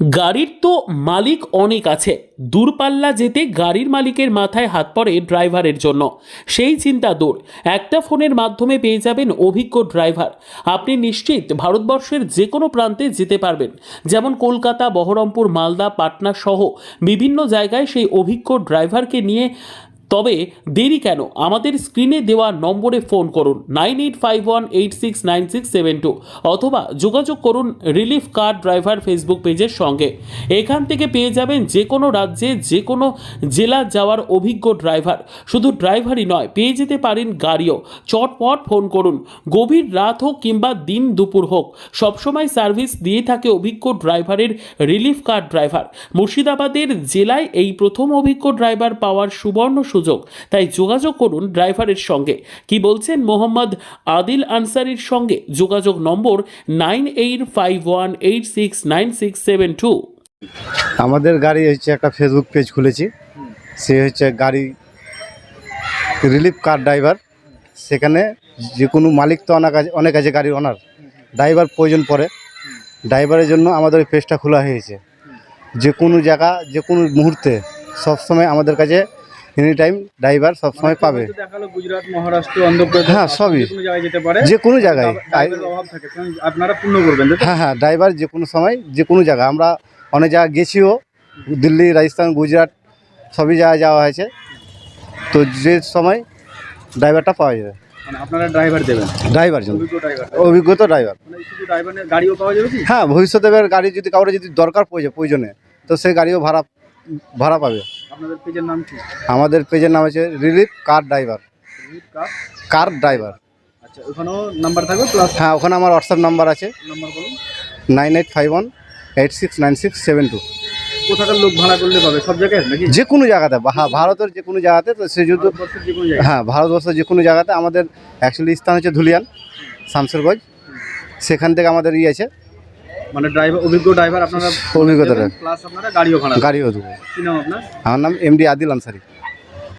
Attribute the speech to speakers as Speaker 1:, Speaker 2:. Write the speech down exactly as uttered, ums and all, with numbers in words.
Speaker 1: গাড়ির তো মালিক অনেক আছে, দূরপাল্লা যেতে গাড়ির মালিকের মাথায় হাত পড়ে ড্রাইভারের জন্য। সেই চিন্তা দূর, একটা ফোনের মাধ্যমে পেয়ে যাবেন অভিজ্ঞ ড্রাইভার। আপনি নিশ্চিত ভারতবর্ষের যে কোনো প্রান্তে যেতে পারবেন, যেমন কলকাতা, বহরমপুর, মালদা, পাটনা সহ বিভিন্ন জায়গায় সেই অভিজ্ঞ ড্রাইভারকে নিয়ে। তবে দেরি কেন? আমাদের স্ক্রিনে দেওয়া নম্বরে ফোন করুন nine eight five one eight six nine six seven two অথবা যোগাযোগ করুন রিলিফ কার ড্রাইভার ফেসবুক পেজের সঙ্গে। এখান থেকে পেয়ে যাবেন যে কোনো রাজ্যে যে কোনো জেলা যাওয়ার অভিজ্ঞ ড্রাইভার। শুধু ড্রাইভারই নয়, পেয়ে যেতে পারেন গাড়িও। চটপট ফোন করুন, গভীর রাত হোক কিংবা দিন দুপুর হোক, সবসময় সার্ভিস দিয়ে থাকে অভিজ্ঞ ড্রাইভারের রিলিফ কার ড্রাইভার। মুর্শিদাবাদের জেলায় এই প্রথম অভিজ্ঞ ড্রাইভার পাওয়ার সুবর্ণ সুযোগ, তাই যোগাযোগ করুন ড্রাইভারের সঙ্গে। কি বলছেন মোহাম্মদ আদিল আনসারির সঙ্গে? যোগাযোগ number nine eight five one eight six nine six seven two.
Speaker 2: আমাদের গাড়ি হচ্ছে একটা ফেসবুক পেজ খুলেছি, সে হচ্ছে গাড়ি রিলিফ কার ড্রাইভার। সেখানে যে কোনো মালিক তো অনেক আছে অনেক আছে গাড়ির ওনার, ড্রাইভার প্রয়োজন পড়ে। ড্রাইভারের জন্য আমাদের ওই পেজটা খোলা হয়েছে। যে কোনো জায়গা যে কোনো মুহূর্তে সবসময় আমাদের কাছে এনি টাইম ড্রাইভার সবসময় পাবে।
Speaker 3: গুজরাট, মহারাষ্ট্র, অন্ধ্রপ্রদেশ,
Speaker 2: হ্যাঁ সবই
Speaker 3: যে কোনো জায়গায় যেতে পারে,
Speaker 2: যে কোনো জায়গায়
Speaker 3: অভাব থাকে, আপনারা পূর্ণ করবেন।
Speaker 2: হ্যাঁ হ্যাঁ ড্রাইভার যে কোনো সময় যে কোনো জায়গায়, আমরা অনেক জায়গায় গেছিও, দিল্লি, রাজস্থান, গুজরাট সবই জায়গায় যাওয়া হয়েছে। তো যে সময় ড্রাইভারটা পাওয়া যাবে,
Speaker 3: মানে আপনারা ড্রাইভার দেবেন,
Speaker 2: ড্রাইভার জন্য
Speaker 3: অভিজ্ঞ ড্রাইভার,
Speaker 2: অভিজ্ঞত ড্রাইভার।
Speaker 3: মানে শুধু ড্রাইভারের গাড়িও পাওয়া যাবে কি?
Speaker 2: হ্যাঁ, ভবিষ্যতে এবার গাড়ি যদি কাউরে যদি দরকার পড়ে প্রয়োজনে, তো সেই গাড়িও ভাড়া ভাড়া পাবে।
Speaker 3: আপনাদের পেজের নাম কি?
Speaker 2: আমাদের পেজের নাম আছে relief car driver.
Speaker 3: Relief car
Speaker 2: car driver.
Speaker 3: আচ্ছা, ওখানেও নাম্বার থাকবে প্লাস?
Speaker 2: হ্যাঁ, ওখানে আমার হোয়াটসঅ্যাপ নাম্বার আছে
Speaker 3: নাম্বার বলুন।
Speaker 2: Nine eight five one eight six nine six seven two.
Speaker 3: কোথাকার লোক ভাড়া করলে পাবে? সব জায়গায় নাকি?
Speaker 2: যে কোনো জায়গাতে, হ্যাঁ ভারতের যে কোনো জায়গাতে। তো সে যদি
Speaker 3: ভারতবর্ষের যে কোনো জায়গায়?
Speaker 2: হ্যাঁ ভারতবর্ষের যে কোনো জায়গাতে। আমাদের অ্যাকচুয়ালি স্থান হচ্ছে ধুলিয়ান, শামসেরগঞ্জ। সেখান থেকে আমাদের ইয়ে আছে,
Speaker 3: মানে ড্রাইভার, অভিজ্ঞ ড্রাইভার আপনারা
Speaker 2: অভিজ্ঞতা
Speaker 3: প্লাস আপনারা গাড়িও ভাড়া,
Speaker 2: গাড়িও দেবো।
Speaker 3: কি নাম আপনার?
Speaker 2: আমার নাম এমডি আদিল আনসারি।